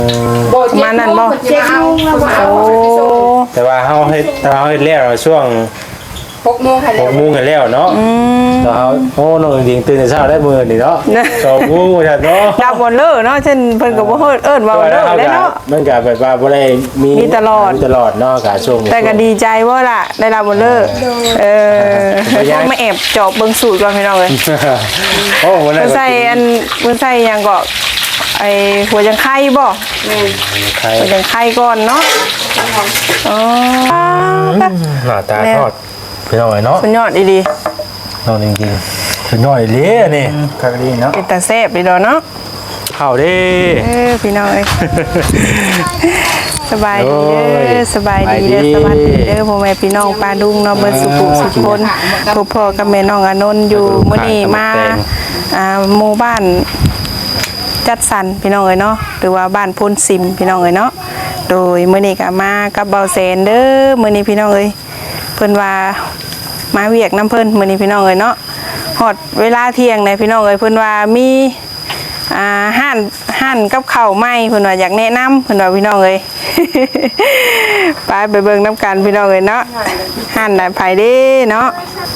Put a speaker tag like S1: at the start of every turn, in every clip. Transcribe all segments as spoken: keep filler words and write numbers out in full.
S1: มานั่นบ่เจ็ดโมงแล้วบ่โอ้
S2: แต่ว่าเฮาเฮ็ดแต่เฮาเฮ็ดแล้วช่วง
S1: หกโมงค่ะแล้ว
S2: หกโมงกันแล้วเนาะแล้วเฮาโอ้น้องจริงตื่นแต่เช้าได้มื้อนี่เนาะสองโมงจัดเนาะ
S1: ดับบ่เลิกเนาะเช่นเพิ่นก็บ่เฮิดเอิ้นว่าเลิกเลยเนาะ
S2: มันก็แบบว่าบ่ได้มี
S1: มีตลอด
S2: ตลอดเนาะก็ช่วง
S1: แต่ก็ดีใจว่าล่ะได้รับบ่เลิกเออมาแอบเจาะเบิ่งสูตรก่อนพี่น้องเอ้ย
S2: โอ้วันนั้
S1: เพิ่
S2: น
S1: นใส่อันเพิ่นใส่หยังก็ไอ้หัวจังไข่บ่แม่น
S2: ใคร
S1: หัวจังไข่ก่อนเนาะอ๋อ
S2: หน้าตาทอดพี่น้องเนาะ
S1: สุดยอดดี
S2: น้องจริงๆสุดยอดเลยนี่คักดีเนาะ
S1: ๆเป็นตาแซ่บดีดอกเนาะ
S2: เข้าเด้
S1: เออพี่น้องเอ้ยสบายดีเด้อสบายดีเด้อสวัสดีเด้อพ่อแม่พี่น้องปลาดุงเนาะเบิดสุขุสุขคนพบพ่อกับแม่น้องอานนท์อยู่มื้อนี้มาอ่าหมู่บ้านจัดสรรพี่น้องเอ้ยเนาะหรือว่าบ้านพนซิมพี่น้องเอ้ยเนาะโดยมื้อนี้ก็มากับเบาแสนเด้อมื้อนี้พี่น้องเอ้ยเพิ่นว่ามาเวียกน้ำเพิ่นมื้อนี้พี่น้องเอ้ยเนาะฮอดเวลาเที่ยงเนี่ยพี่น้องเอ้ยเพิ่นว่ามีอ่าห้านห้านกับข้าวใหม่เพิ่นว่าอยากแนะนำเพิ่นว่าพี่น้องเอ้ย ไปไปเบิ่งน้ำกันพี่น้องเอ้ยเนาะห้านน่ะไผเด้เนาะ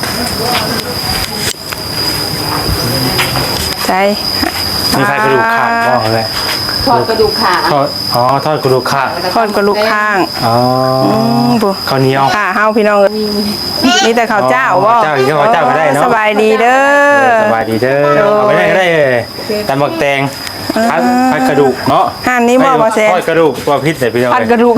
S1: ใช่
S2: มีใครกระดูกขาดบ่เลย
S3: ทอดกระดูกขา
S2: ทอดอ๋อทอดกระดูกขาด
S1: ทอดกระลูกข้าง
S2: อ๋อ
S1: อืมบุ
S2: ข้าวเหนียว
S1: ค่ะเฮาพี่น้องเอ้ยมีแต่ข้าวเจ้าบ่
S2: ข้าวเจ้าอีกข้าวเจ้าก็ได้เนาะ
S1: สบายดีเด้อ
S2: สบายดีเด้อเอาไปได้ก็ได้เลยตำบักแตงพัดพัดกระดูกเนาะ
S1: ห้านนี้บ่บ่แซ่บ
S2: ทอดกระดูกว่าพิษแต่พี่น้อง
S1: ผัดกระดูก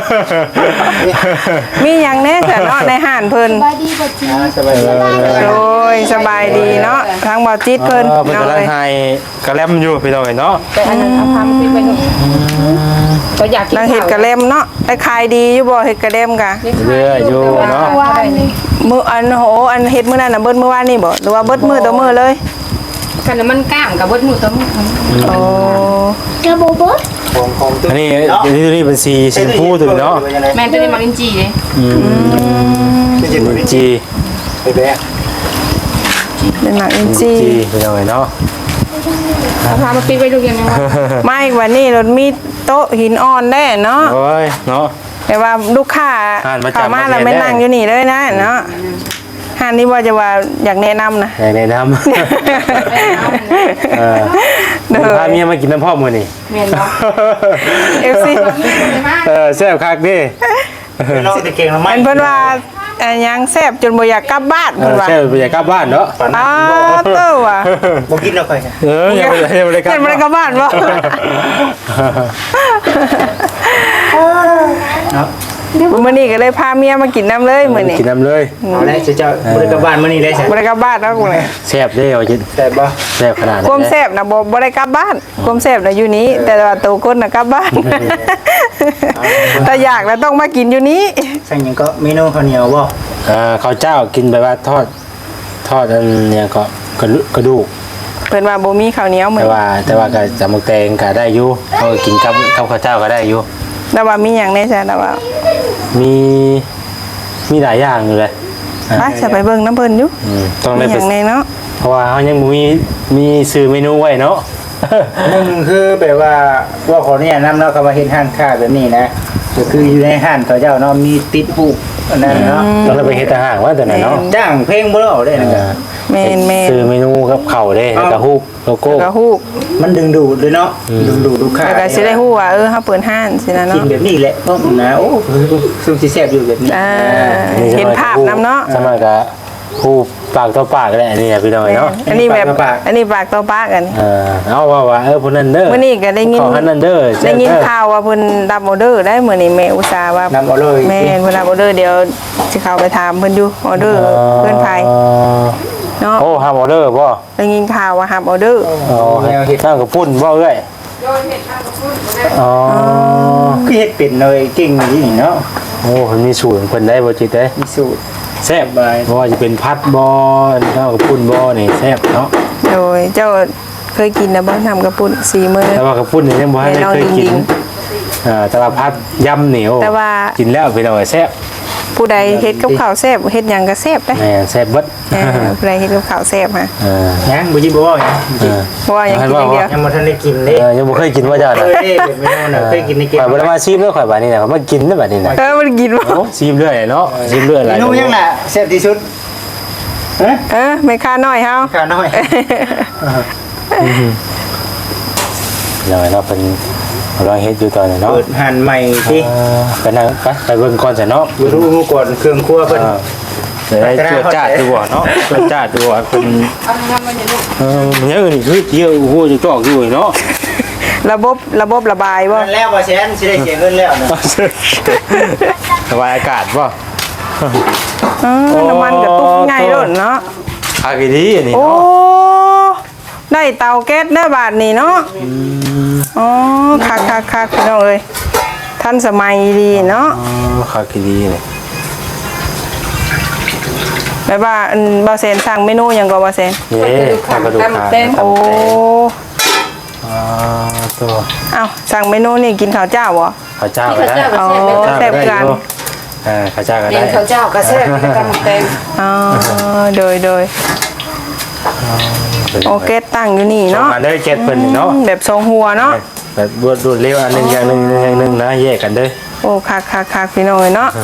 S1: มีหยังแน่แต่เนาะในห้านเพิ่น
S3: บายดีกว่าจี
S2: สบายดี
S1: โอ้ยสบายดีเนาะทางบ่จิตเพิ่น
S2: เพิ่น
S1: เนาะ
S2: กำลัง
S1: เอ้ย
S2: ให้กระแลมอยู่พี่น้องเนาะ
S3: แต่อันนั้นเอาพามาขึ้นไปหน่อยก็อยากกิน
S1: นางเฮ็ดกระเล่มเนาะได้ขายดีอยู่บ่เฮ็ดกระเล่มกะ
S2: เรื่อยอยู่เนาะ
S3: ว่านี่
S1: มื้ออันโหอันเฮ็ดมื้อนั้นน่ะเบิดมื้อวานนี่บ่หรือว่าเบิดมื้อต่อมื้อเลย
S3: ขนมมันก้ามกับเบิดหมูต้ม
S1: โอ้
S3: กระโบเบิด
S2: อันนี้นี่นี่เป็นสีชมพูตัวเนาะ
S3: แม่ตัวนี้มาลินจีเลย
S2: อืมจี
S4: ไปแบะ
S1: เป็นหนักอินจี
S2: จีพี่น้องเนาะ
S3: เอาพามาปิ้งไปดูยังไงวะ
S1: ไม่วันนี้รถมีโต๊ะหินอ่อนได้เนาะ
S2: โอ้ยเนาะ
S1: แต่ว่าลูกค้า
S2: อ่านมาจาก
S1: เข้ามาแล้ว
S2: ประเทศ
S1: ไม่
S2: ได้
S1: นั่งอยู่นี่เลยนะเนาะห้านนี้ว่าจะว่าอยากแนะนำนะ
S2: แนะนำเออพาเมียมากินน้ำพ่อมือนี่
S3: แม่เนาะ
S1: เอฟซี
S2: เออแซ่บคักดิ
S4: น้องจะเก่งละไหม
S1: อันเพิ่นว่าอันยังแซ่บจนบ่อยากกลับบ้าน
S2: เอ
S1: เพิ่น
S2: อ
S1: ว่า
S2: แซ่บไปอยากกลับบ้านเนาะ
S1: อ้าวเต้าว่ะ
S4: บ่กินแล้วค่อย
S2: เออยังไม่ได้ยังไม่ได้กลับ
S1: เห็นบ่ได้กลับบ้านบ่
S4: เนาะ
S1: มื้อนี้ก็เลยพาเมียมากินน้ำเลยมื้อนี้
S2: กินน้ำเลย
S4: เอาละจะเจ้าบริกรบ้านมื้อนี้ได้ใช่
S1: บ่ได้กลับบ้านเนาะกูเลย
S2: แซ่บเด้เอาจิ
S4: แต่บ่
S2: แซ่บขนาดนั้น
S1: ความแซ่บน่ะบ่บ่ได้กลับบ้านความแซ่บน่ะอยู่นี้ แต่ว่าตัวคนน่ะกลับบ้านแต่อยากแล้วต้องมากินอยู่นี้
S4: สั่งหยังก็เมนูข้าวเหนียวบ่
S2: อ่าข้าวเจ้ากินแบบว่าทอดทอดอันเนี่ยก็กระดูกกระดูก
S1: เพิ่นว่าบ่มีข้าวเหนียวมื้
S2: แต่
S1: อ
S2: ว่าแต่ว่าก็จำมักแตงก็ได้อยู่เขาก็กินกับกับข้าวเจ้าก็ได้อยู่
S1: แต่ว่ามีหยังแน่ใช่แต่ว่า
S2: มีมีหลายอย่างอยู่เลย
S1: ไปจะไปเบิ่งน้ำเพิ่นอยู่
S2: อืมต้อง
S1: มี
S2: ได้
S1: ห
S2: ไป
S1: ยังแน่เนาะ
S2: เพราะว่าเขายังบ่มีมีซื้อเมนูไว้เนาะ
S4: หนึ่งคือแบบว่าว่าขอเนี่ยนำเนาะคำว่าเฮ็ดห้านค้าแบบนี้นะก็คืออยู่ในห้านเขาเจ้าเนาะมีติดผูกอันนั้นเนาะ
S2: ต้องได้ไปเฮ็ดอาหารว่าแต่ไหนเนาะ
S4: จ้างเพลงบ่ได้ได้นะ
S1: แม่นแม่น
S2: ซื้อเมนูกับข้าวเด้แล้วก็ฮูกโลโก้
S1: แล้วก็ฮู้
S4: มันดึงดูดเลยเนาะดึงดูดลูกค้า
S1: แล้วก็สิได้ฮู้ว่าเออเฮาเปิดห้านสินะ
S4: กิ
S1: เนาะ
S4: นแบบนี้แหละเพราะนะโอ้ซึ่งสิแซ่บอยู่แบบนี้
S1: อ่าเห็นภาพนำเนาะ
S2: สมัยก็ฮูกปากต่อปากแหละนี่พี่น้อยเนาะ
S1: อันนี้แบบอันนี้ปากต่อปากกัน
S2: เออเอาว่าว่าเออพุ่นนั่นเด้อ
S1: มื้อนี้ก็ได้ยิน
S2: ขอหันนั่นเด้อ
S1: ได้ยินข่าวว่าเพิ่นรับออเดอร์ได้มื้อนี้แม่อุตส่าห์ว่าน
S4: ำเอาเลย
S1: แม่นเพิ่นรับออเดอร์เดี๋ยวสิเข้าไปถามเพิ่นอยู่ออเดอร์เพิ่นไผเนาะ
S2: โอ้ฮับออเดอร์บ่
S1: ได้ยินข่าวว่ารับออเดอร์
S2: อ๋อนั่งกับพุ่นบ่เอ้ยอ๋อ
S4: คือเฮ็ดเป็นเลยเก่งนี่เนาะ
S2: โอ้มันมีสูตรของเพิ่นได้บ่จิตเด้
S4: มีสูตร
S2: แซ่บบ่ว่าจะเป็นพัดบ่นั่งกับพุ่นบ่นี่แซ่บเนาะ
S1: โดยเจ้าเคยกินนะบ่ทำกระปุ่นสีมือ
S2: แต่ว่ากับพุ่นนี่ยังบ่ได้เคยกินอ่าแต่ว่าพัดยำเหนียว
S1: แต่ว่า
S2: กินแล้วพี่น้องแซ่บ
S1: ผู้ใดเฮ็ดกับข้าวแซ่บเฮ็ดหยังก็แซ่บเด้
S2: แม่แซ่บเบิด
S1: เออผู้ใดเฮ็ดกับข้าวแซ่บฮะ
S2: เออ
S4: ยังบ่จิบ่ว่าหยัง
S2: เออ
S1: เพราะว่ายังกินอย่างเดียว
S4: ยังบ่ทันได้กินเด้
S2: เออยังบ่เคยกินว่าจ้า
S4: เค
S2: น่ะ
S4: ยเด้เป็นเมนูน่ะเคยกินในเกม
S2: ข่อยบ่ได้มาชิมแล้วข่อยบัดนี้น่ะเขามากินแล้วบัดนี้น่ะ
S1: เออมันกินบ่
S2: โอ้ชิมเรื่อยเนาะชิมเรื่อยห
S4: เม
S2: ลาย
S4: นูยังน่ะแซ่บที่สุดฮะ
S1: เออไม่ค่าน้อยเฮา
S4: ขาน้อย
S2: เนาะเนาะเป็นเราเฮ็ดอยู่ตอนนี้เนาะ
S4: เปิดหันใหม่สิ
S2: เออไปนั่งไปไปเบิ่งก่อนซะเนาะ
S4: อยู่รู้ก่อนเครื่องครัวเพิ่น
S2: เออจะได้จวดจ้าดดูบ่เนาะจวดจ้าดดูว่าเป็น
S3: เอาทำมันอย่างนี้
S2: เออมันยังนี่คือเกี่ยวโอ้โหจะจอกอยู่เนาะ
S1: ระบบระบบระบายบ่
S4: นั่นแล้วว่าแสนสิได้เสียเงินแล้วนะ
S2: สบายอากาศบ่
S1: เออน้ำมันกระตุกง่ายโลดเนาะ
S2: อากาศดีอันนี้
S1: โอ้
S2: เนาะ
S1: ได้เตาแก๊สเด้อบาดนี้เนาะอ๋อคักๆๆพี่น้องเอ้ยทันสมัยดีเนาะ
S2: อ๋ออากาศดีนี่
S1: แบบว่าอันบ่แซนสั่งเมนูหยังก็บ่แซน
S2: นี่ข้าวกระดูกขา
S1: โอ้
S2: อ่าตัว
S1: เอ้าสั่งเมนูนี่กินข้าวเจ้าบ่
S2: ข้าวเจ้าก็ได้
S1: อ๋อ
S2: ข้าว
S1: แซ่
S2: เจ้า
S1: บ
S2: ก็ได้
S1: กัน
S2: อยู่อ่าข้าวเจ้าก็
S3: เรีย
S2: ได้
S3: นข้าวเจ้ากระแซ่บกำแตง
S1: อ๋อโดยโดยโอเคตั้งอยู่นี่
S2: เนาะ
S1: เนาะ
S2: มาได้เจ็ดเพิ่นนี่เนาะ
S1: อืมแบบทรงหัวเนาะ
S2: แบบรวดรวดเร็วอันหนึงอย่างหนึงอย่างหนึงนะแยกกันเด้อ
S1: โอ้คักคักคักพี่น้องเอ้ยเนาะ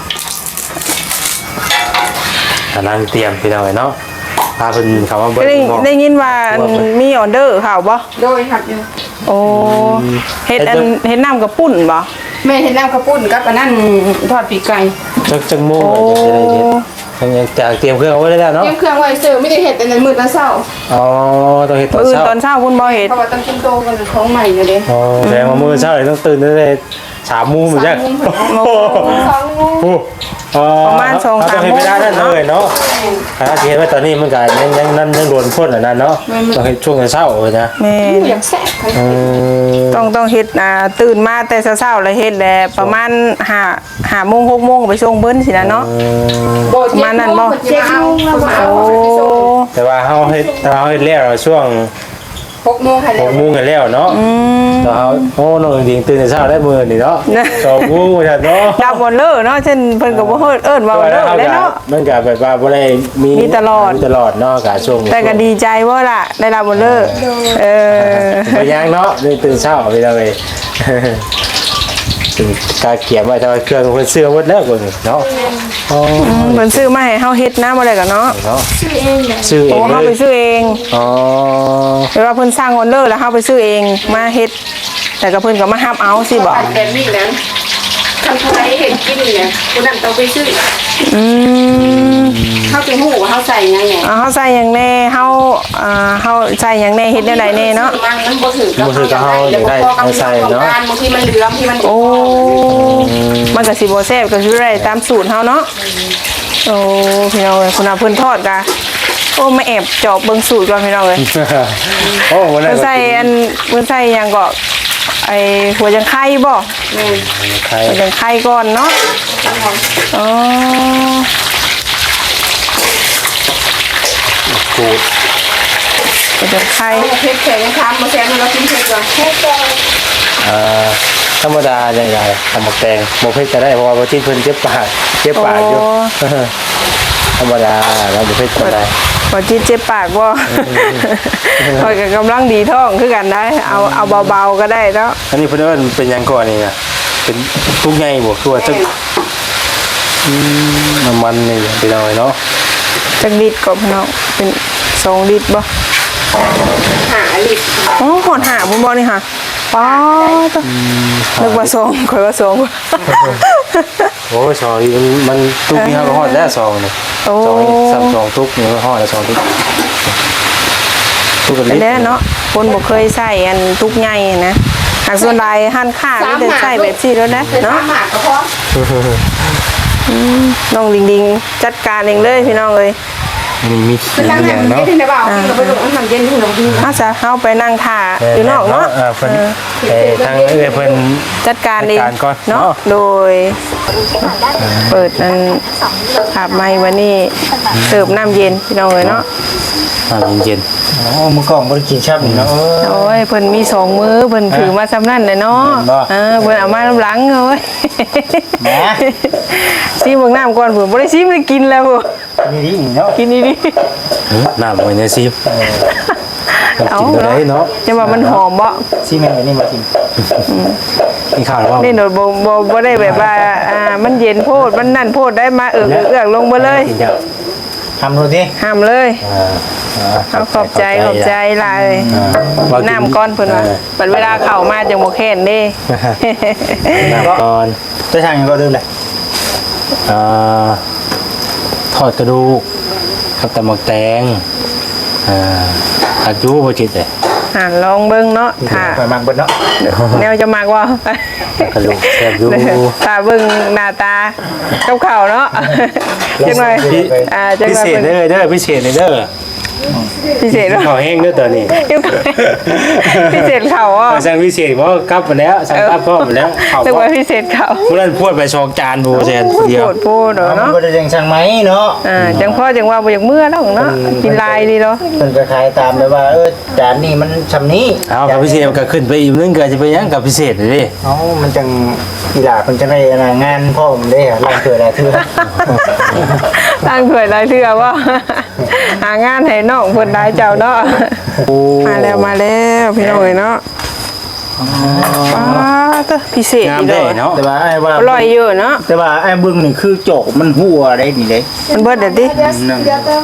S2: กำลังเตรียมพี่น้องเนาะพาเพิ่นเข้ามาเบิ่
S1: ก็ได้
S2: ง
S1: ได้ยินว่าอันมีออเดอร์ข่าวบ่
S3: โดยหักอยู่
S1: โอ้เฮ็ดอันเฮ็ดน้ำกับปุ่นบ่
S3: แม่เห็นน้ำข้าวปุ้นกับอันนั้นทอดปีกไก่
S2: จักจักโมงจะได้เฮ็ดทั้งจากเตรียมเครื่องเอาไว้แล้วเนาะ
S3: เตรียมเครื่องไว้เสิร์ฟไม่ได้เห็ดแต่ในมือตอนเช้า
S2: อ๋อต้องเฮ็ดตอน
S1: มื้อ
S2: เช้า
S1: ตอนเช้าพุ่นบ่เฮ็ด
S3: เพราะว่าต้องกินโตกันของใหม่อยู่เด้
S2: อ๋อแสดงว่ามื้อเช้านี่ต้องตื่นตั้งแต่สามโมงเหมือนกัน
S3: สองโมง สองโมง
S2: โอ้อ๋อ
S1: ประมาณสอง
S2: เร
S1: สาม
S2: ต้องเฮ็ด
S1: โม
S2: ไม่
S1: ง
S2: ได้นั่นเลยเนาะถ้าสิเฮ็ดไว้ตอนนี้มันก็ยังยังยังยังโดนพ่นอันนั้นเนาะต้องเฮ็ดช่วงเช้าเลยนะ
S1: แม่น
S3: อยากแซ่บ
S2: อืม
S1: ต้องต้องเฮ็ดอ่าตื่นมาแต่เช้าๆแล้วเฮ็ดแหละประมาณห้า ห้าโมงหกโมงไปส่งเพิ่นสินะเนาะ
S3: โบเจ็ดโมงเจ็ดโมงแล้วมาเอา
S1: โอ้
S3: ไปส่ง
S2: แต่ว่าเฮาเฮ็ดแต่ว่าเฮาเฮ็ดแล้วช่วง
S3: หกโมงค่ะ
S2: หกโมงกันแล้วเนาะแต่เฮาโอ้น้องจริงๆตื่นแต่เช้าได้มื้อนี่เนาะสองโมงจัดเนาะ
S1: ดับบ่เลอเนาะเช่นเพิ่นก็บ่เฮิดเอิ้นว่าบ่เลอได้เนาะ
S2: มันก็แบบว่าบ่ได้มี
S1: มีตลอด
S2: มีตลอดเนาะก็ช่วง
S1: แต่ก็ดีใจว่าล่ะได้รับบ่เลอเออ
S2: บ่ยังเนาะนี่ตื่นเช้าไปแล้วเว้ยถึงกาเกียบไว้แต่ว่าเครื่องเพิ่นเสื้อหมดแล้วพุ่นเนาะอ๋อ
S1: เพิ่นซื้อมาให้เฮาเฮ็ดนะบ่ได้ก็เนาะ
S2: เนาะซื้อเอ
S1: โอ้
S2: ง
S1: เฮา
S2: เล
S1: ไป
S2: ย
S1: ซื้อเอง
S2: อ๋อ
S1: หรือว่าเพิ่นสร้างออเดอร์แล้วเฮาไปซื้อเองมาเฮ็ดแต่ก็เพิ่นก็มารับเอาสิบ่
S3: อันแบบนี้นะทำอะไรเห็นกินเนี่ยคนนั้นต้องไปซื้อ
S1: อืม
S3: เขาไปหูว่าเขาใส่ยังไง
S1: อ่าเฮาใส่หยังแน่เฮาอ่าเฮาใส่หยังแน่เฮ็ดได้หลายแน่เนาะ
S3: มันมันบ่ถือกับเขาอย่างไรแล้วก็พอกำลังของการบางทีมันเหลือมที่มัน
S1: โอ้มันก็สิบ่แซ่บก็สิได้ตามสูตรเฮาเนาะโอ้พี่น้องเอ้ยคุณอาเพิ่นทอดกะโอ้มาแอบจอบเบิ่งสูตรก่อนพี่น้องเอ้ย
S2: โอ้วันนั้
S1: เพิ่
S2: น
S1: นใส่อันเพิ่นใส่หยังก็ไอ้หัวจังไข่บ่
S3: แม่
S2: ใคร
S1: หัวจังไข่ก่อนเนาะอ๋อ
S2: กูด
S1: หัวจังไข่
S3: เอาเพชรแข็งทำมาแซมเรากินเพชรก่อนเพชรก่อน
S2: อ่าธรรมดาอย่างไรทำหมกแตงหมกเพชรก็ได้เพราะว่าที่เพิ่นเจ็บปากเจ็บปากอยู่ธรรมดาแล้วหมกเพชรก็ได้
S1: บ่จิตเจ็บปากบ่ข่อยก็กำลังดีท้องคือกันได้เอาเอาเบาๆก็ได้เนาะ
S2: อันนี้เพิ่นเอิ้นเป็นหยังก่อนนี่นะเป็นทุกใหญ่บ่คือว่าจักอืมน้ำมันนี่ไปหน่อยเนาะ
S1: จักลิตรก็พี่น้องเป็นสองลิตรบ่
S3: หาลิบ
S1: อ๋อหอดหาพุ่นบ่นี่ค่ะป๊าดนึกว่าสองข่อยว่าสอง
S2: โอ้ยซอยมันทุกนี่เฮาก็ฮอดแล้วซองนี่
S1: โอ้
S2: ซองนี่ซ้ำซองทุกนี่ฮอดแล้วซองทุกทุกกัน
S1: อั
S2: ลิ
S1: น
S2: ตร
S1: นี้เนาะคนบ่เคยใส่อันทุกใหญ่นะหากส่วนใดหั่นค่ามีแต่ใส่แบบซี่แล้วนะ
S3: เป็น
S1: เนาะ
S3: หมากก็พอ
S1: น้องดิงดิงจัดการเองเลยพี่น้องเอ้ย
S2: นี่มี
S3: เป็นทาง
S2: อ
S3: ไหน
S2: ย่าง
S3: มัน
S2: เนาะ
S3: เย็นในบ่าวที่เราไปดูน้ำเย็นที่เรากิน
S1: อาซะเฮาไปนั่งท่าอยู่นอกเนาะ
S2: เออเพิ่นเอ่อทางเอ้ยเพิ่น
S1: จัดการเอง
S2: จัดการก่อน
S1: เนาะ
S2: เนาะ
S1: โดยเปิดนั้นขับไม้วันนี้เสิร์ฟน้ำเย็นพี่น้องเอ้ยเนาะ
S2: น้ำเย็น
S4: อ๋อมื้อก่อนบ่ได้กินชับนี่เนาะเออ
S1: โอ้ยเพิ่นมีสองมือเพิ่นถือมาซ้ำนั่นเลยเนาะ
S4: เห็นบ่
S1: เออเพิ่นเอามาน้ำหลังเอ้ย
S4: แหม
S1: ซีเบิ่งน้ำก่อนเพิ่นบ่ได้ซีไม่ได้กินแล้วพุ่น
S4: นี่ดิเนาะ
S1: กินดี
S2: ๆหือน้ำไว้ในซีฟ
S1: ๆเอา
S2: กินบ่
S1: เนาะ
S2: ได้เนาะ
S1: จะว่ามันหอมบ่
S4: ซีแม่นอันนี้มากิน
S2: กินข้าวแล้วบ่
S1: นี่โดดบ่บ่บ่ได้แบบว่าอ่ามันเย็นโพดมันนั่นโพดได้มาเอือกเอือกลงมาเลย
S2: กินข้าว
S4: ทำดูดิ
S1: ห้ามเลย
S2: อ่าอ่า
S1: เอาขอบใจขอบใจหลาย
S2: อ่าว่ากิ
S1: น้ำก้อนเพิ่นว่า
S2: เออ
S1: บัดเวลาเข้ามาจังบ่แค้นเด้
S2: น้ำก่อน
S4: จะทางยังก็เดิมเลย
S2: อ่าทอดกระดูกกับตำบักแตงอ่าผักยูบ่จิตเลย
S1: อ่าลองเบิ่งเนาะถ้า
S4: ไปมักเบิดเนาะ
S1: แนวจะมักว่า
S2: กระดูกแซ่บอยู่
S1: ถ้าเบิ่งหน้าตากับข้าวเนาะจังได๋อ่าจัง
S2: พิ
S1: ได๋
S2: เศษ
S1: เพิ่น
S2: เลยเด้อพิเศษเลยเด้อ
S1: พิเศษเนาะ
S2: ข้าวแห้งเด้อตัวนี้
S1: พิเศษข้าวอ่ะ
S2: สั่งพิเศษเพราะกลับมาแล้วสั่งกลับพร้อมมาแล้วข้าว
S1: จังว่าพิเศษข้าว
S2: ผู้นั้นพูดไปสองจานผู้แซนผู้เดียว
S1: โพดโพด
S4: เอามัน
S1: เนาะ
S4: บ่ได้ยังช่างไหมเนาะ
S1: อ่าจังพ่อจังว่าบ่อยากเมื่อแล้วเนาะกินลายดีเนาะ
S4: เพิ่นก็ขายตามเลยว่าเออจานนี้มันชำนี้
S2: เอากับพิเศษก็ขึ้นไปอีกนึงก็จะไปยังกับพิเศษเลยดิ
S4: เอ้ามันจังกีฬาเพิ่นจะได้อนางานพ่อผมเด้ลองเกิดอะไรเถื่อ
S1: ตั้งถ้วยหลายเทื่อว่า หางานให้น้องเพิ่นได้เจ้าเนาะ
S2: โอ้
S1: มาแล้วมาแล้วพี่น้องเอ้ยเนาะป้าตะพิเศษ
S2: งาม
S1: อีก
S2: ได้
S1: เด้อ
S2: เนาะ
S4: แต่ว่าไอ้ว่า
S1: อร่อยอยู่เนาะ
S4: แต่ว่าไอ้เบิ่งนี่คือโจกมันหัวได้นี่เด้
S1: มันเบิดเด้อติ
S4: นั่น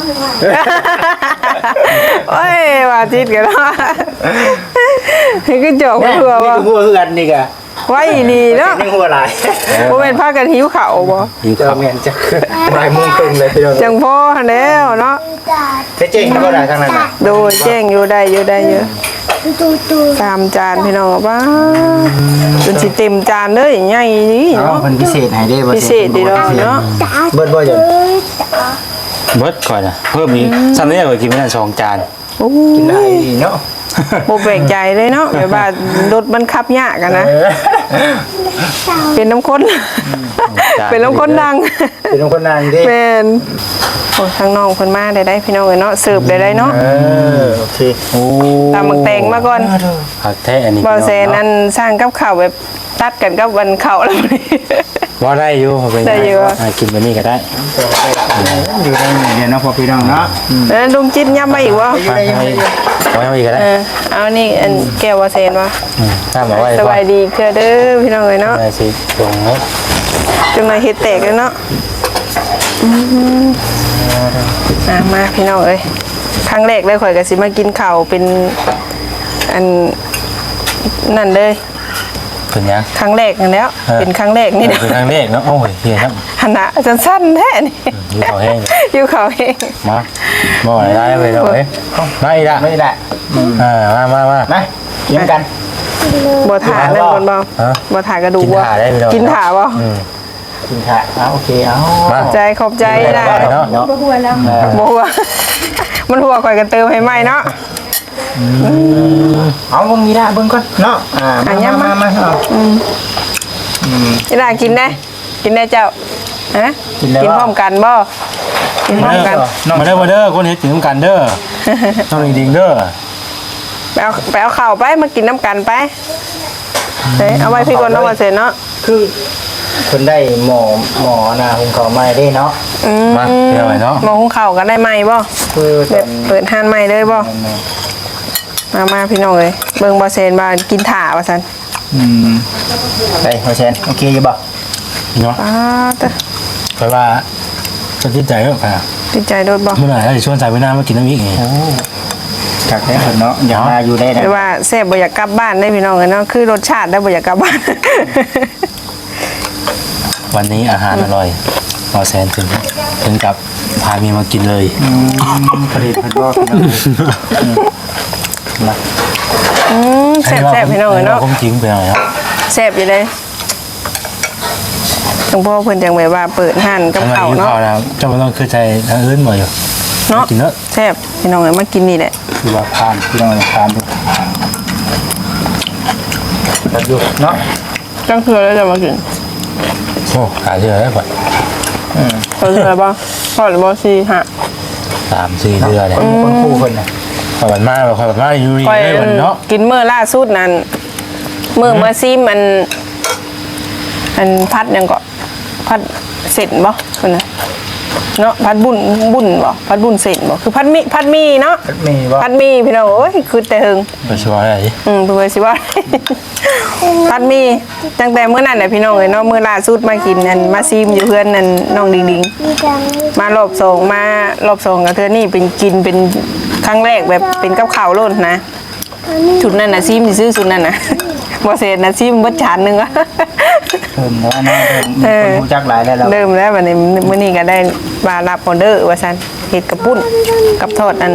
S1: โอ้ยว่าจิตกันเนาะนี่คือจอก
S4: นี่
S1: เผื่อ
S4: นี่
S1: ว่า
S4: ก็หัวคือกันนี่ก็
S1: ไว้ดีเนาะ
S4: นี่หัวหลาย
S1: บ่แม่นพากันหิวข้าวบ่
S2: อีก
S4: เจ้า
S2: ครับ
S4: แม่นจักบ่ายโมงครึ่งเลยพี่น้อง
S1: จังพ่อแล้วเนาะ
S4: เจ๊เจ๊งก็ได้ทางนั้นน่ะ
S1: โดยแจ้งอยู่ได้อยู่ได้อยู่สามจานพี่น้องป้าจนสิเต็มจานเลยใหญ่นี่
S4: เอ้า
S1: เนาะ
S4: เพิ่นพิเศษให้เด้บ่
S1: พิเศษดีเนาะเนาะ
S4: เบิดบ่จัง
S2: เบิดก่อนนะเพิ่มอีกซ้ำนี้ก็กินไม่ได้สองจาน
S1: โอ้
S4: กินได้เนาะ
S1: บ่แปลกใจเลยเนาะแบบว่ารถมันขับยากอะนะ
S4: เออ
S1: เป็นน้ำข้นเป็นน้ำข้นดัง
S4: เป็นคนนางเด้
S1: เป็นโอ้ทางน้องเพิ่นมาได้ได้พี่น้องเอ้ยเนาะเสิร์ฟได้ได้เนาะ
S4: เออโอเค
S2: โอ้
S1: ตามหมักแตงมาก่อน
S2: ผักแท้อันนี้
S1: บ่แซนอันสร้างกับข้าวแบบตัดกันกับวันข้าวแล้วนี่
S2: ว่าได้อยู่เป็น
S1: ได้อยู่
S2: อ่ากินแบบนี้ก็ได้
S4: อยู่ได้เดี๋ยวเนาะพอพี่น้องเนาะอืม
S1: แล้วลุงจิตย้ำมาอีกบ่
S4: อยู่ได้ยังไง
S2: ไว้เอาอีกก็ได้
S1: เออเอานี่อันแก้วว่าแซนวะ
S2: มถ้ามาไว้
S1: สบายดีเพื่อเด้อพี่น้องเอ้ยเนาะ
S2: ได้สิตรงนี้
S1: จังไดเฮ็ดแตกเลยเนาะอืมอ่ะมาพี่น้องเอ้ยครั้งแรกเลยข่อยก็สิมากินข้าวเป็นอันนั่นเลย
S2: เป็นยัง
S1: ครั้งแรกนั่นแล้ว
S2: เออ
S1: เป็นครั้งแรกนี่นะ
S2: เป็นครั้งแรกเนาะโอ้ยเฮียครับ
S1: หันหน้าสั้นๆแท้นี่
S2: อยู่เขาแห้ง
S1: อยู่เขาเอง
S2: มาบ่อะไรได้ไปเลยมาอีกละ
S4: ไม่ได้
S2: อ่ามามามา
S4: มากินกัน
S1: บ่ถ่านั่นคนบ่
S2: ฮะ
S1: บ่ถ่ากระดูก
S2: กิน
S1: บ่
S2: ถ่าได้ไปเลย
S1: กินถ่าบ่
S2: อืม
S4: กินค่ะเอาโอเคเอา
S2: มา
S1: ขอบใจขอบใจได้
S2: ได้เนาะ
S4: เนาะ
S3: บ่หัวแล้ว
S1: บ่หัว มันหัวข่อยกันเติมให้ใหม่เนาะ
S4: เอาเบิ่งนี่ละเบิ่งก่อนเนาะอ่า
S1: อ่ะ
S4: มา
S1: ย้ำ
S4: มา
S1: มา
S4: มาเอา
S1: นี่ล่ะกินได้กินได้เจ้าฮะ
S4: กินได้
S1: กิน
S4: บ่
S1: พร้อมกันบ่กินพร้อมกัน
S2: มาเด้อมาเด้อคนเฮ็ดถึงกันเด้อต้องดิ่งๆเด้อ
S1: ไปเอาไปเอาข้าวไปมากินน้ำกันไปเฮ้ยเอาไว้พี่ก่อนเนาะว่าเสร็จเนาะ
S4: คือคนได้หมอหมอนาหุงข้าวใหม่ได้เนาะ
S1: อืม
S2: มาเดี๋ยวไว้เนาะ
S1: มองหุงข้าวกันได้ไหมบ่
S4: คือ
S1: แบบเปิดห้านใหม่เลยบ่มามาพี่น้องเอ้ยเบิ่งบ่เซนบ่ากินถ่าว่าซั่น
S4: อืมได้โอเคโอเคอยู่บ่
S2: เนาะ
S1: ป้าตะ
S2: เพราะว่าจะติดใจเรื่องค่ะ
S1: ติดใจโดดบ่
S2: เมื่อไหร่เราจะชวนใจไปหน้ามากินน้ำอีกไง
S4: จากได้คนเนาะอย่ามาอยู่ได้นะ
S1: หรือว่าแซ่บบ่อยากกลับบ้านได้พี่น้องเอ้ยเนาะคือรสชาติได้บ่อยากกลับบ้าน
S2: วันนี้อาหารอร่อยรอแซนถึงถึงกับพาเมียมากินเลย
S4: ผลิตภัณฑ์ก็มา
S1: อืมแซ่บๆพี่น้องเอ้ยเนาะ
S2: ผมทิ้งไปหน่อยครับ
S1: แซ่บอยู่เลยหลวงพ่อเพิ่นจังแบบว่าเปิดห้านกับ
S2: ทำไม
S1: ข้าว
S2: อยู่
S1: เนาะ
S2: ข้าวแล้วเจ้าไม่ต้องคือใจทางอื่นหมดอยู่
S1: เนาะ
S2: กินเนอะ
S1: แซ่บพี่น้องเอ้ยมากินนี่แหละ
S4: คือว่าทานพี่น้องทานดูแล้วดูเนาะ
S1: จังเทื่อแล้วจะมากิน
S2: โอ้ขายเยอะแล้วก่อน
S4: อืม
S1: เทื่อบ่ทอดบ่สิฮะ
S2: สามสี่เดือนเนี่ย
S4: คนคู่คนน่ะ
S2: ขอยบันมาขอยบันมาอยู่นี่
S1: ค่อย
S2: ได้วันเนาะ
S1: กินมื้อล่าสุดนั้นมื้อเมื่อซิมมันอันพัดหยังก็พัดเสร็จบ่เพิ่นน่ะเนาะพัดบุญบุญบ่พัดบุญเสร็จบ่คือพัดมีพัดมีเนาะ
S4: มีบ่
S1: พัดมีพี่น้องโอ้ยคือแต่หึง
S2: ไปช่วยอะไรดิ
S1: อืมเพื่อสิว่า พัดมีตั้งแต่เมื่อนั้นแหละพี่น้องเอ้ยเนาะมื้อล่าสุดมากินนั่นมาซิมอยู่เพื่อนนั่นน้องดิงดิงมารอบสองมารอบสองกับเธอนี่เป็นกินเป็นครั้งแรกแบบเป็นกับข้าวโล้นนะชุดนั้นน่ะซิมสิซื้อชุดนั้นน่ะ บ่เสร็จน่ะซิมเบิดจานหนึงอะ
S4: เพิ่มแล้วนะเพิ่ม
S1: เออ
S4: คนรู้จักหลายแล้วเรา
S1: เริ่มแล้ววันนี้มื้อนี้ก็ได้มารับออเดอร์ว่าซั่นเฮ็ดกระปุ้นกับทอดอัน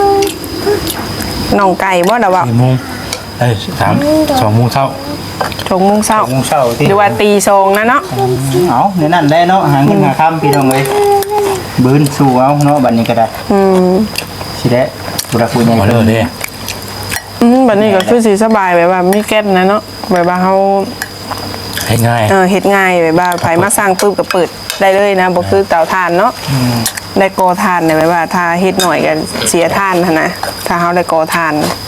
S1: น่องไก่บ่ดอกว่า
S2: สี่โมงเอ้ยสามสองโมงเช้า
S1: ชงโมงเช้า
S4: โมงเช้าที่
S1: หรือว่าตีทรงนะเนาะ
S4: เอาในนั่นได้เนาะหาเงินหาค่ำพี่น้องเลยบืนสู่เอาเนาะบัดนี้ก็ได้
S1: อืม
S4: สิได้บุรักบุญใหญ่
S2: มาเลยดิ
S1: อืมบัดนี้ก็คือสิสบายแบบว่ามีแก๊สนะเนาะแบบว่าเฮา
S2: ให้ง่าย
S1: เออเฮ็ดง่ายแบบว่าไผมาสร้างปึ๊บก็เปิดได้เลยนะบ่คือเตาถ่านเนาะได้ก่อถ่านเนี่ยแบบว่าถ้าเฮ็ดหน่อยก็เสียถ่านหั้นนะถ้าเฮาได้ก่อถ่าน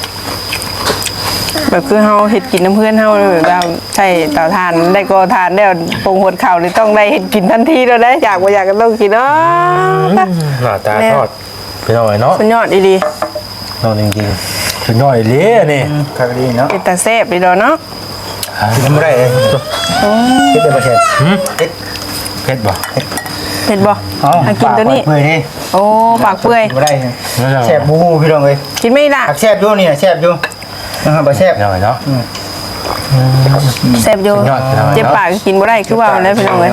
S1: แบบคือเฮาเฮ็ดกินน้ำเพื่อนเฮาแบบว่าใช้เตาถ่านได้ก่อถ่านแล้วปรุงหดข้าวนี่ต้องได้เฮ็ดกินทันทีแล้วได้อยากบ่อยากก็ต้องกินเนาะ
S2: หน้าตาทอดไปหน่อยเนาะ
S1: สุดยอดอีหลี
S2: นอนจริงๆเป็นหน่อยเลยนี่
S4: ครับดีเนาะ
S1: เป็นตาแซ่บอีดอกเนาะ
S4: ทำไรเลยคิดได้ประเทศคิด
S2: เผ็ดบ่
S1: เผ็ดบ่
S4: เอา
S1: อ่ะกินตัวนี้
S4: เปื่อยนี่
S1: โอ้ปากเปื่อย
S4: ไม่ได้แซ่บบูบูพี่น้องเลย
S1: กินไม่ได้
S4: ผักแซ่บอยู่นี่นะแซ่บอยู่นะครับบ่แซ่บ
S2: หน่อยเนาะ
S1: แซ่บอยู่
S2: สุดยอดจังเลย
S1: เจ็บปากก็กินบ่ได้คือว่ามันได้พี่น้องเลย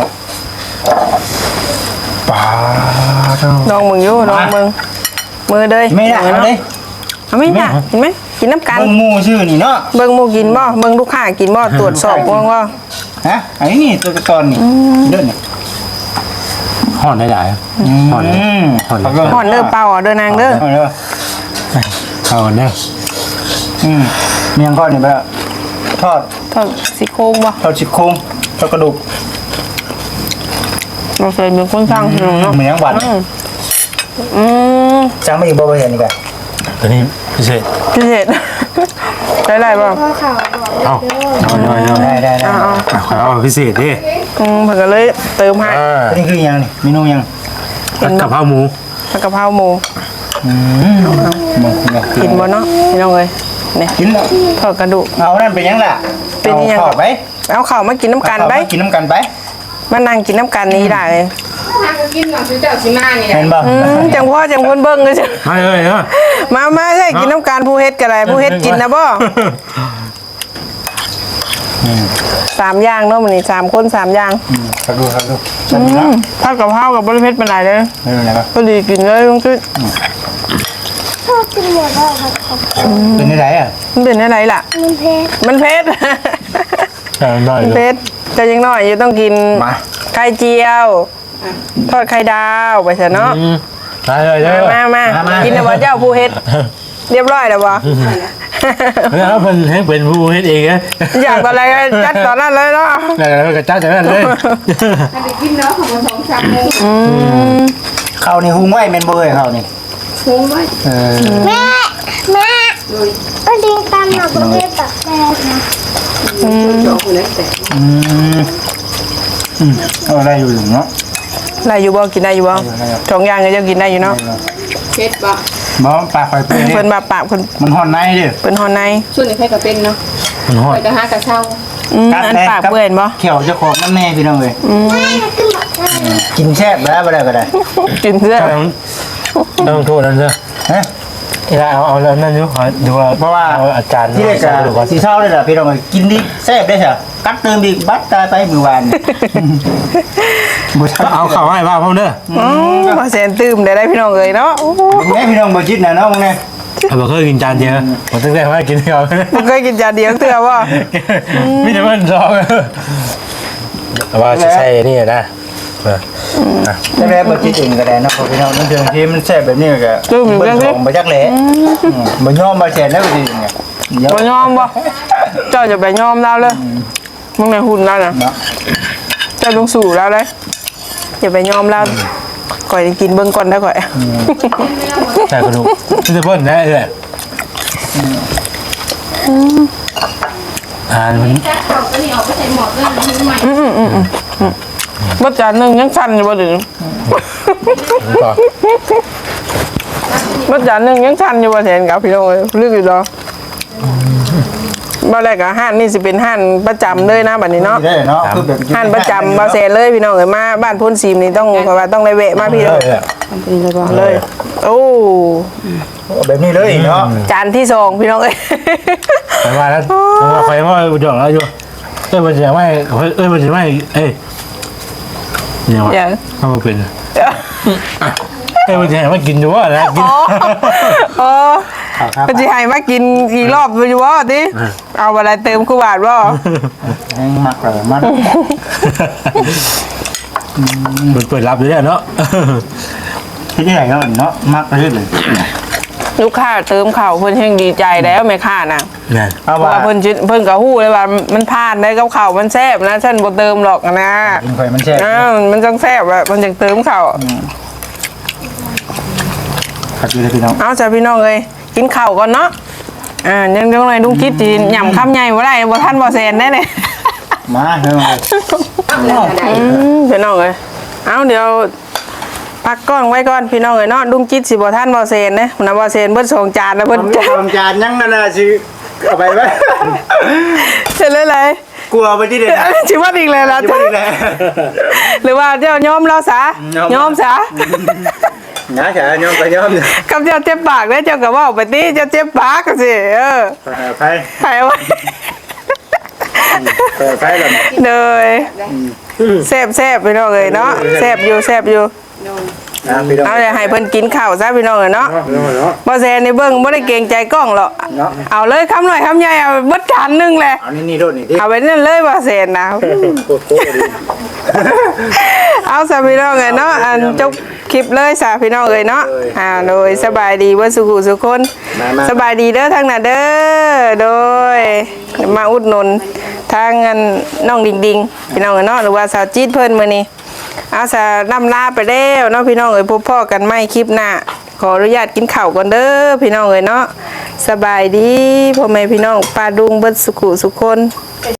S4: ปลาเท่า
S1: ลองมึงอยู่ลองมึงมือเด้ย
S4: ไม่ได้เอาเลย
S1: เอาไม่ได้กินไหมกินน้ำกัน
S4: เบิ่งหมูชื่อนี่เนาะ
S1: เบิ่งหมูกินบ่เบิ่งลูกค้ากินบ่ตรวจสอบบ่ว่า
S4: ฮะอันนี้นี่ตัวตอนนี่เด้อนี่
S2: ห่อนได้หลาย
S4: ห่อน
S2: ห่อน
S1: ห่อนเด้อเปล่าเด้อนางเด้อ
S4: ห่อนเด้อ
S2: เข้ากันเด้อ
S4: อืมเมียงก้อนนี่แบบทอด
S1: ทอดซี่โครงบ่
S4: ทอดชิโครงทอดกระดูก
S1: เราเคยเป็นคนสร้างพี่น้องเนาะ
S4: เหมือนยังหวาน
S1: อืม
S4: จังไม่อีกบ่ไปเห็นนี่กัน
S2: ตัวนี้พิเศษ
S1: พิเศษได้ไรบ่
S2: เอาเอาหน่อยหน่อย
S4: ได้ได้ได้
S1: เอาเอา
S2: เอาพิเศษดิ
S1: อืมเพิ่นก็เลยเติมให้
S2: อ่า
S4: นี่คือยังนี่เมนูยัง
S2: ผัดกะเพราหมู
S1: ผัดกะเพราหมู
S4: อืมมึงเนี่ย
S1: กินบ่เนาะพี่น้องเอ้ยนี่
S4: กินแล้ว
S1: ทอดกระดูก
S4: เอานั่นเป็นยังล่ะ
S1: เป็นยัง
S4: อาทอดไป
S1: เอาข้าวมากินน้ำกันไป
S4: เอาข้าวมากินน้ำกันไป
S1: มานั่งกินน้ำกันนี้ได้เลย
S3: ทางก็กินหนังสือเจ้าชิมานี่แห
S4: เห็
S3: ละ
S4: นบ่
S1: อืมจังพ่อจังคนเบิ่งเลยจ้ะ
S2: มาเลยเนาะ
S1: มามาใช่กินน้ำกันผู้เฮ็ดก็ได้ผู้เฮ็ดกินนะบ่สามอย่างเนาะมื้อนี้สามคนสามอย่าง
S4: อืมครับดูครับดู
S1: อืมทอดกะเพรากับบริเพชรเป็นไรเลย
S4: ไม่รู้อะไรครับ
S1: พอดีกินเลยลุงจุ้ย
S4: เป็นอะไรอ่ะ
S1: มันเป็นอะไรล่ะ
S5: มันเพชร
S1: มันเผ็ด
S2: เอาหน่อย
S1: มัน
S2: เนาะ
S1: เผ็ดจะยังน้อยอยู่ต้องกิน
S4: มา
S1: ไข่เจียวทอดไข่ดาวไปซะเนาะ
S2: อืมมาเลยเด้อ
S1: มามามากินนะบ่เจ้าผู้เฮ็ดเรียบร้อยแล้วบ่
S2: แล้วเพิ่นให้เป็นผู้เฮ็ดเองนะ
S1: อยากตอนอะไรก็จัดตอนนั้นเลยเนาะ
S2: แล้วก็จัดจากนั้นเลย
S3: ถ้าไปกินเนาะของมันสองสามโมง
S1: อืม
S4: ข้าวนี่หุงไว้แม่นบ่เอ้ยข้าวนี่
S3: คุ้มไว้
S4: เออ
S5: แม่แม่
S3: เลย
S5: ก็ดิงตามมาประเภทแบบแม่นะ
S3: จอกคนนั้นแต่
S4: อืมอืมเอาได้อยู่เนาะ
S1: ได้อยู่บ่กินได้อยู่บ่สองอย่างก็จะกินได้อยู่เนาะ
S3: เช็ดบ่
S4: บ่ปากไฟเปื่อย
S1: เพิ่น
S4: นี่
S1: บาปากเพิ่น
S4: มันห่อนในเด้อ
S1: เพิ่นฮอนใน
S3: ส่วนนี้ใครก็เป็นเนาะ
S2: มันฮอ
S3: ไป
S2: ด
S3: กระหากระเช้า
S1: อืมอันปากเปื่อนบ่
S4: เขียวเจ้าของน้ำแน่พี่น้องเอ้ย
S5: แม่ขึ้นมาแม่
S4: กินแซ่บแล้วบ่ได้ก็ได้
S1: กินเสื้อ
S2: ต้องต้องโทษนั่นเด้อ
S4: ฮะ
S2: เวลาเอาเอาแล้วนั่นอยู่ขอดูว่า
S4: เพราะว่า
S2: ออาจารย์
S4: ที่ได้จะ
S2: ดูก่อน
S4: สีเศร้าเลยล่ะพี่น้องเอ้ยกินดิแซ่บได้ใช่กัดเติมอีกบัดตายไปมือวานบ่ทัน
S2: เอาเข้าให้บ้าพ่อเด้อ
S1: อืมมาแสนตื้มได้ได้พี่น้องเอ้ยเนาะโอ้โห
S4: แม่พี่น้องบ่คิดนะเนาะมึงแน่
S2: เอาบ่เคยกินจานเดียวผมตั้งแต่ว่ากินเดียว
S1: บ่เคยกินจานเดียวเทื่อบ่
S2: มีแต่มันซองว่าจะใช่นี่นะ
S4: ได้แม่บ่คิดเองก็ได้เนาะพี่น้องนั่นเทื่อที่มันแซ่บแบบนี้ก็เบิ่งของบ่จักแหละบ่ยอมบ่แซ่บแล้วสิเนี่ย
S1: บ่ยอมบ่เจ้าจะไปยอมเราเลยมึงในหุ่นเราน่ะ
S4: เนาะ
S1: เจ้าต้องสู่เราเลยอย่าไปยอมเราก่อยกินเบิ่งก่อนได้ก่อย
S2: ใช่กระดูกที่จะเพิ่นนะเอ้ยอ่ามัน
S1: บ่จานหนึงยังสั่นอยู่บ่ถึง
S2: ต่อ
S1: บ่จานหนึงยังสั่นอยู่บ่แทนกับพี่น้องเอ้ยลึกอยู่ดอกบ่แรกอะห้านนี่สิเป็นห้านประจำเลยนะบัดนี้เนาะ
S4: ได้เนาะคือแบบ
S1: ห้านประจำบ่แซนเลยพี่น้องเอ้ยมาบ้านพ้นซีมนี่ต้องเพราะว่าต้องได้แวะมาพี่น้องเลย โอ้
S4: แบบนี้เลยเนาะ
S1: จานที่สองพี่น้องเอ้ย
S2: ไปมาแล้วใครว่าอุดรแล้วอยู่เอ้ยมันจะไม่เอ้ยมันจะไม่เอ้ยเนี่ยว่าถ้ามันเป็นเอ้ยมันจะไม่กินอยู่ว่าแล้วกิน
S1: โอ้ก็สิให้มากินอีกรอบอยู่บ่ติเอาอะไรเติมคู่บาทบ่
S4: แห้งมักเลยมัน
S2: มันเปิดรับอยู่แล้วเนาะ
S4: ที่ไหนเนาะเนาะมักเลยเลย
S1: ลูกค้าเติมข้าวเพิ่นแฮงดีใจแล้วแม่ค้าน่ะ
S2: เนี่ย
S4: เอา
S1: เพราะ
S4: ว่า
S1: ว่าเพิ่นจิเพิ่นก็ฮู้เลยว่ามันผ่านได้กับข้าวมันแซ่บนะฉันบ่เติมหรอกนะ
S4: กินข่อยมันแซ่บ
S1: อ้าวมันจังแซ่บอะมันจังเติมข้าว
S4: ขัดอยู่เลยพี่น้อง
S1: เอาจ้ะพี่น้องเอ้ยกินข้าวก่อนเนาะอ่ายังจังได๋ลุงคิดสิหย่ำคำใหญ่บ่ได้บ่ทันบ่แซนได้เด้
S4: มาเฮ้ย
S1: อืมพี่น้องเอ้ยเอาเดี๋ยวพักกล้องไว้ก่อนพี่น้องเอ้ยเนาะลุงคิดสิบ่ทันบ่แซนเด้นะบ่แซนเบิดสองจานแล้ว
S4: ผ
S1: เพิ่น
S4: ม
S1: จะ
S4: ทำจานยังนั่นน่ะสิเอาไปไหม
S1: เสร็จเลยเลย
S4: กลัวไปที่เด็ด
S1: ชิว่าอีกเลยล่ะ
S4: จะ
S1: จ้ะ
S4: ไปแล้ว
S1: หรือว่าเจ้ายอมเราซะยอมซะ
S4: นะจ๋ายอมไปยอม
S1: กับเจ้าเจ็บปากเด้อเจ้าก็เว้าไปติเจ้าเจ็บปากก็สิเออ
S4: ไป
S1: ใครว่า
S4: ไปไปแล้ว
S1: เลยแซ่บแซ่บพี่น้องเอ้ยเนาะแซ่บอยู่แซ่บอยู่
S4: นะพี่น้อง
S1: เอาอย่าให้เพิ่นกินข้าวซะพี่น้องเอ้ยเนาะบ่แซ่ในเบิ่งบ่ได้เกรงใจกล้องหรอกเอาเลยคำหน่อยคำใหญ่เอาเบิดจานนึงแหละ
S4: เอานี่นี่โดดนี่ดิ
S1: เอาไปนั่นเลยบ่แซ่นะ
S4: โคตรโคตรดี
S1: เอาซะพี่น้องเอ้ยเนาะอันจบคลิปเลยซะพี่น้องเอ้ยเนาะอ่าโดยสบายดีเบ่สุขุสุคนสบายดีเด้อทางน่ะเด้อโดยมาอุดหนุนทางอันน้องดิงดิงพี่น้องเอ้ยเนาะหรือว่าสาวจี๊ดเพิ่นมื้อนี้เอาซะนำลาไปแล้วเนาะพี่น้องเอ้ยพบพ่อกันใหม่คลิปหน้าขออนุญาตกินข้าวก่อนเด้อพี่น้องเอ้ยเนาะสบายดีพ่อแม่พี่น้องป้าดุงเบิดสุขุสุคน